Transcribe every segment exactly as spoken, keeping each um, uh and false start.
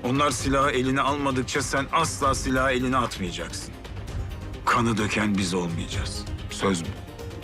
Onlar silahı eline almadıkça sen asla silahı eline atmayacaksın. Kanı döken biz olmayacağız. Söz mü?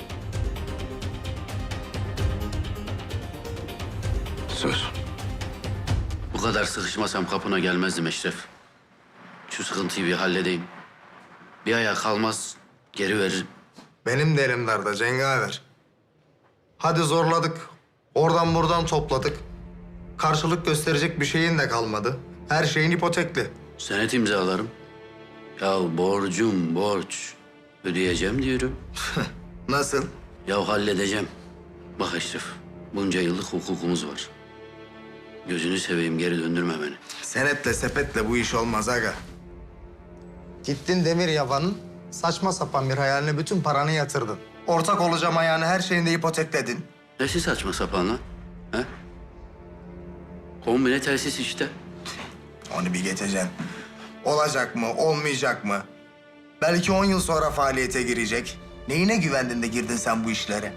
Söz. Bu kadar sıkışmasam kapına gelmezdim Eşref. Şu sıkıntıyı bir halledeyim. Bir aya kalmaz, geri veririm. Benim de elim darda cengaver. Hadi zorladık. Oradan buradan topladık. Karşılık gösterecek bir şeyin de kalmadı. Her şeyin ipotekli. Senet imzalarım. Ya borcum borç. Ödeyeceğim diyorum. Nasıl? Ya halledeceğim. Bak Eşref, bunca yıllık hukukumuz var. Gözünü seveyim, geri döndürme beni. Senetle sepetle bu iş olmaz aga. Gittin demir yabanın saçma sapan bir hayaline bütün paranı yatırdın. Ortak olacağım ayağını her şeyini de ipotekledin. Nesi saçma sapan lan? He? Kombine telsiz işte. Onu bir geçeceksin. Olacak mı, olmayacak mı? Belki on yıl sonra faaliyete girecek. Neyine güvendin de girdin sen bu işlere?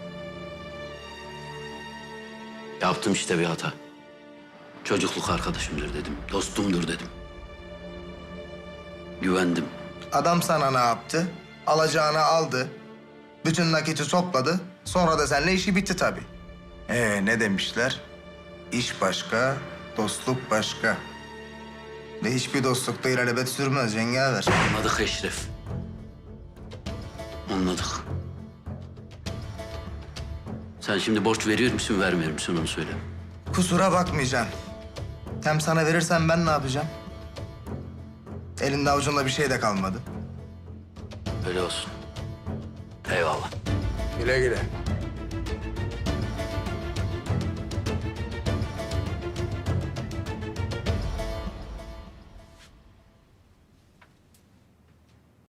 Yaptım işte bir hata. Çocukluk arkadaşımdır dedim, dostumdur dedim. Güvendim. Adam sana ne yaptı? Alacağını aldı. Bütün nakiti topladı. Sonra da seninle işi bitti tabii. Ee ne demişler? İş başka, dostluk başka. Ve hiçbir dostlukta ilelebet sürmez cengaver. Anladık Eşref. Anladık. Sen şimdi borç veriyor musun, vermiyor musun onu söyle. Kusura bakmayacaksın. Hem sana verirsem ben ne yapacağım? Elinde avucunda bir şey de kalmadı. Öyle olsun. Eyvallah. Güle güle.